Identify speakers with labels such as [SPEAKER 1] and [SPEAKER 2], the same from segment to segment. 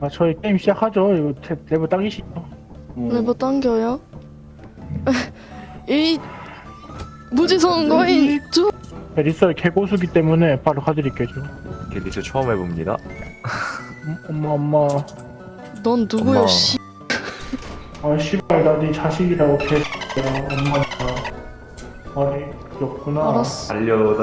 [SPEAKER 1] 아 저희 게임 시작하죠. 이거 레버 당기시죠.
[SPEAKER 2] 레버 당겨요? 이 무지성 거인 주
[SPEAKER 1] 리썰 개고수기 때문에 바로 가드릴게요.
[SPEAKER 3] 갤리스 처음 해봅니다.
[SPEAKER 1] 엄마.
[SPEAKER 2] 넌 누구야
[SPEAKER 3] 엄마.
[SPEAKER 2] 씨.
[SPEAKER 1] 아 씨발 나 네 자식이라고 개야 엄마가. 아니 그렇구나.
[SPEAKER 2] 알았어.
[SPEAKER 3] 달려.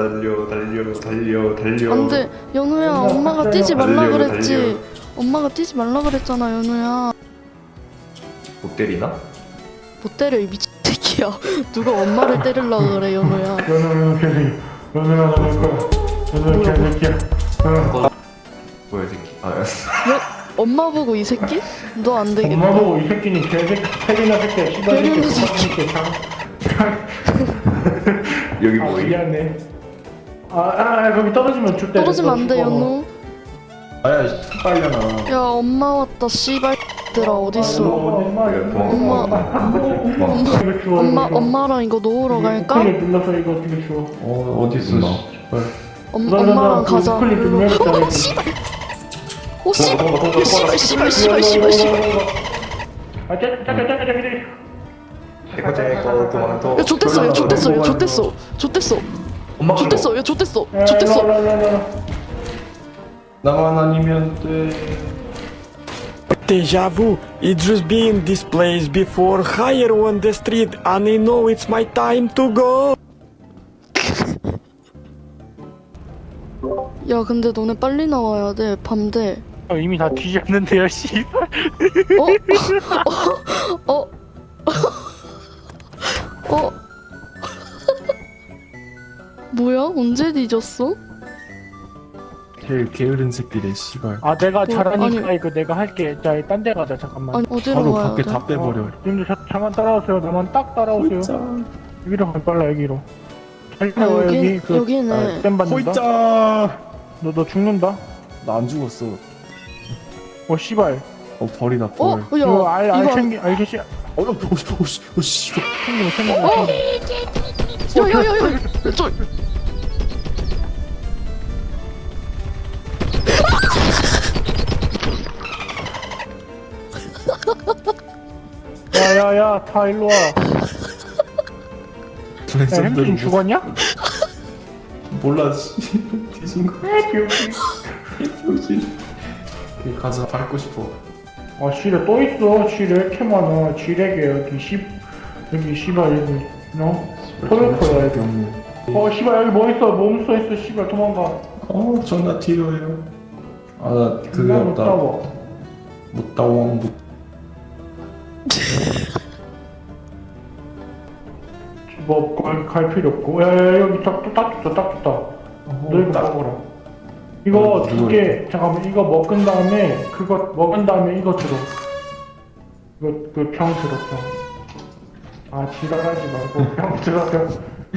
[SPEAKER 2] 안돼 연우야 엄마가 뛰지 말라
[SPEAKER 3] 달려,
[SPEAKER 2] 그랬지.
[SPEAKER 3] 달려.
[SPEAKER 2] 엄마가 뛰지 말라 그랬잖아 연우야.
[SPEAKER 3] 못 때리나?
[SPEAKER 2] 못 때려 이 미친 새끼야. 누가 엄마를 때릴라 그래 연우야.
[SPEAKER 1] 연우 개새끼. 연우야 너는 거야. 연우 개새끼야.
[SPEAKER 3] 뭐야 이 새끼.
[SPEAKER 2] 엄마 보고 이 새끼? 너 안 되겠다.
[SPEAKER 1] 엄마 보고 이 새끼는 개새끼 페리나 새끼야. 씨발
[SPEAKER 2] 페리나
[SPEAKER 1] 새끼.
[SPEAKER 3] 여기
[SPEAKER 1] 아
[SPEAKER 3] 뭐이?
[SPEAKER 1] 미안해. 거기 떨어지면 줄 때.
[SPEAKER 2] 떨어지면 안 돼 연우.
[SPEAKER 4] 아야 빨려나.
[SPEAKER 2] 야 엄마 왔다 씨발들아 어딨어.
[SPEAKER 1] 엄마. 이거 주워.
[SPEAKER 2] 엄마랑 이거 놓으러 갈까?
[SPEAKER 1] 우클릭 눌러서 이거 어떻게 주워?
[SPEAKER 4] 어디 있어?
[SPEAKER 2] 엄마랑 가자.
[SPEAKER 1] 우클릭 눌러야겠다.
[SPEAKER 2] 어머 씨발. 오 씨발.
[SPEAKER 1] 아 잠깐.
[SPEAKER 3] 제거 도망쳐.
[SPEAKER 2] 야 좆됐어.
[SPEAKER 3] 엄마
[SPEAKER 2] 좆됐어. 야 좆됐어.
[SPEAKER 4] 나만 아니면 돼.
[SPEAKER 5] Deja vu, it's just been this place before higher on the street and I know it's my time to go.
[SPEAKER 2] 야 근데 너네 빨리 나와야 돼. 밤 돼.
[SPEAKER 1] 이미 다 뒤졌는데요, 씨발.
[SPEAKER 2] 어? 뭐야? 언제 뒤졌어?
[SPEAKER 4] 제일 게으른 새끼래 씨발.
[SPEAKER 1] 아, 내가 잘하니까
[SPEAKER 2] 아니.
[SPEAKER 1] 이거 내가 할게. 자, 딴 데 가자, 잠깐만.
[SPEAKER 2] 아니 어디로
[SPEAKER 4] 바로
[SPEAKER 2] 가야
[SPEAKER 4] 밖에
[SPEAKER 2] 돼?
[SPEAKER 4] 다 빼버려.
[SPEAKER 1] 님들 잠만 따라오세요. 나만 딱 따라오세요. 여기로 가, 빨라, 여기로. 잘
[SPEAKER 2] 아,
[SPEAKER 1] 나와,
[SPEAKER 2] 여기?
[SPEAKER 1] 여기.
[SPEAKER 2] 여기네.
[SPEAKER 1] 땜 받는다.
[SPEAKER 4] 호이짜.
[SPEAKER 1] 너 죽는다?
[SPEAKER 4] 나 안 죽었어.
[SPEAKER 1] 씨발.
[SPEAKER 4] 벌이다
[SPEAKER 2] 어?
[SPEAKER 4] 벌.
[SPEAKER 2] 야
[SPEAKER 1] 이거 알
[SPEAKER 2] 이거
[SPEAKER 1] 챙기, 알겠지?
[SPEAKER 4] 오씨.
[SPEAKER 1] 챙겨.
[SPEAKER 2] 야야야야 저
[SPEAKER 1] 야, 다 일로 와. 야, 햄스팅 죽었냐?
[SPEAKER 4] 몰라 씨. 뒤진 거. 병신. 가자 밟고 싶어.
[SPEAKER 1] 아, 씨래 또 있어. 씨래 왜 이렇게 많아. 지뢰게 여기 씨발 여기. 토요토야 여기. 씨발 여기 뭐 있어? 몸 써 있어. 씨발 도망가.
[SPEAKER 4] 존나 튀어요. 나 그게
[SPEAKER 1] 못
[SPEAKER 4] 없다.
[SPEAKER 1] 따워.
[SPEAKER 4] 못 따워.
[SPEAKER 1] 뭐 거기 갈 필요 없고. 야, 여기 딱 좋다. 너 이거 먹어라. 이거 두 개. 잠깐만 이거 먹은 다음에 그거 먹은 다음에 이거 들어. 이거 그 병 들어 병. 아 지랄하지 말고 병 들어 병.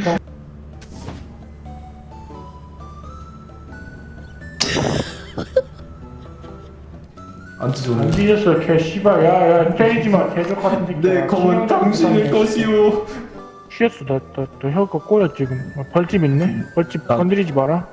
[SPEAKER 4] 안 찢어져.
[SPEAKER 1] 안 뒤졌어 개 씨발. 야 때리지 마 개족 같은 새끼야.
[SPEAKER 4] 내 검은 당신의 것이오.
[SPEAKER 1] 취했어. 너 혀가 꼬여 지금. 벌집 있네. 벌집 건드리지 마라.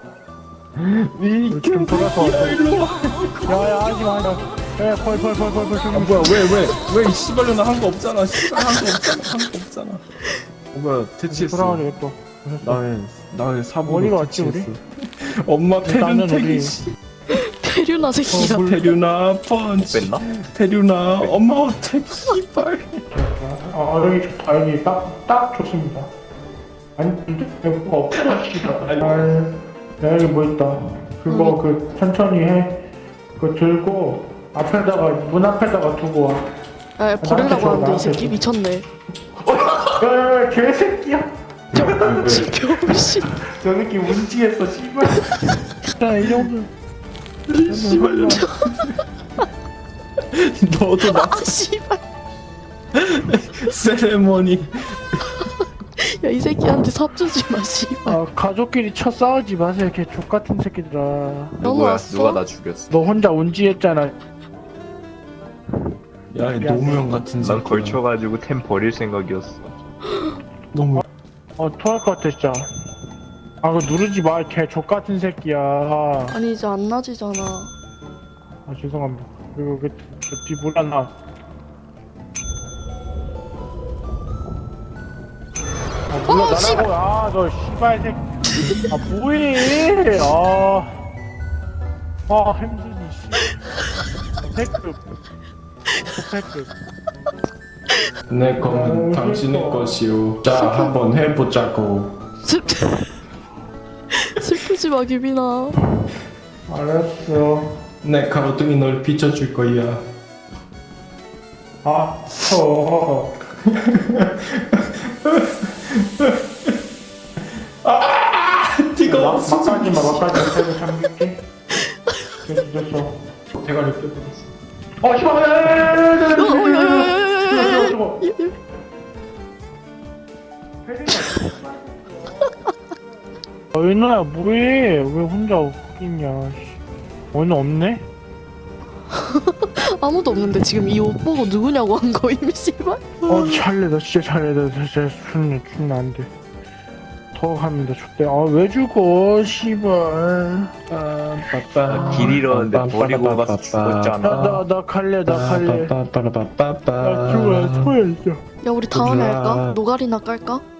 [SPEAKER 1] 좀 돌아서 와. 야야 하지 마. 야 벌.
[SPEAKER 4] 뭐야 왜 이 씨발로나 한 거 없잖아. 씨발 한 거 없잖아. 뭐야 퇴치했어.
[SPEAKER 1] 돌아가려 또.
[SPEAKER 4] 나의 사부로
[SPEAKER 1] 어디로 왔지,
[SPEAKER 4] 퇴치했어. 엄마
[SPEAKER 1] 일단은
[SPEAKER 4] 태륜
[SPEAKER 1] 우리-
[SPEAKER 4] 태기
[SPEAKER 2] 페류나 새끼야.
[SPEAKER 4] 태륜아 펀치.
[SPEAKER 3] 뺐나?
[SPEAKER 4] 태륜아 엄마 태기 씨발.
[SPEAKER 1] 여기 좋다. 여기 딱 좋습니다. 아니 근데 뭐가 없어 씨발. 야 여기 뭐 있다. 그거 그 천천히 해. 그거 들고 앞에다가 문 앞에다가 두고 와.
[SPEAKER 2] 야 버리려고
[SPEAKER 1] 나한테
[SPEAKER 2] 하는데 이
[SPEAKER 1] 줘,
[SPEAKER 2] 새끼 미쳤네.
[SPEAKER 1] 야 개새끼야.
[SPEAKER 2] 병신.
[SPEAKER 1] 저 새끼 운지했어 씨발. 자이 정도.
[SPEAKER 4] 씨발. 너도 나
[SPEAKER 2] 아 씨발.
[SPEAKER 4] 세레머니.
[SPEAKER 2] 야 이 새끼한테 삽주지 마 씨발.
[SPEAKER 1] 가족끼리 쳐 싸우지 마세요. 개 족같은 새끼들아.
[SPEAKER 3] 누구야?
[SPEAKER 2] 왔어?
[SPEAKER 3] 누가 나 죽였어?
[SPEAKER 1] 너 혼자 운지했잖아.
[SPEAKER 4] 야, 이 노무현 같은
[SPEAKER 3] 난
[SPEAKER 4] 새끼야.
[SPEAKER 3] 걸쳐가지고 템 버릴 생각이었어.
[SPEAKER 4] 너무
[SPEAKER 1] 토할 것 같아 진짜. 그거 누르지 마. 개 족같은 새끼야.
[SPEAKER 2] 아니 이제 안 나지잖아.
[SPEAKER 1] 죄송합니다. 그리고 그 뒤불안나. 물러나라고. 너 씨발 새끼. 뭐해? 햄순이 씨. 패급. 패급.
[SPEAKER 5] 내 검은 당신의 것이오. 자, 한번 해보자고.
[SPEAKER 2] 슬프지 마 기빈아.
[SPEAKER 1] 알았어.
[SPEAKER 5] 내 가로등이 널 비춰줄 거야. 네가
[SPEAKER 1] 막가지 마. 그래도 잠길게. 됐어. 대가리 떼버렸어. 은호야 뭐해? 왜 혼자 거기 있냐? 오늘 없네?
[SPEAKER 2] 아무도 없는데 지금 이 옷 보고 누구냐고 한 거임 씨발.
[SPEAKER 1] 잘래. 진짜 잘래. 나 진짜 죽네 안 돼. 더 하면 돼. 좋대. 왜 죽어? 씨발.
[SPEAKER 3] 길 잃었는데 버리고 가서 죽었잖아.
[SPEAKER 1] 나 갈래. 나 죽어야 소였어.
[SPEAKER 2] 야 우리 다음에 할까? 노가리나 깔까?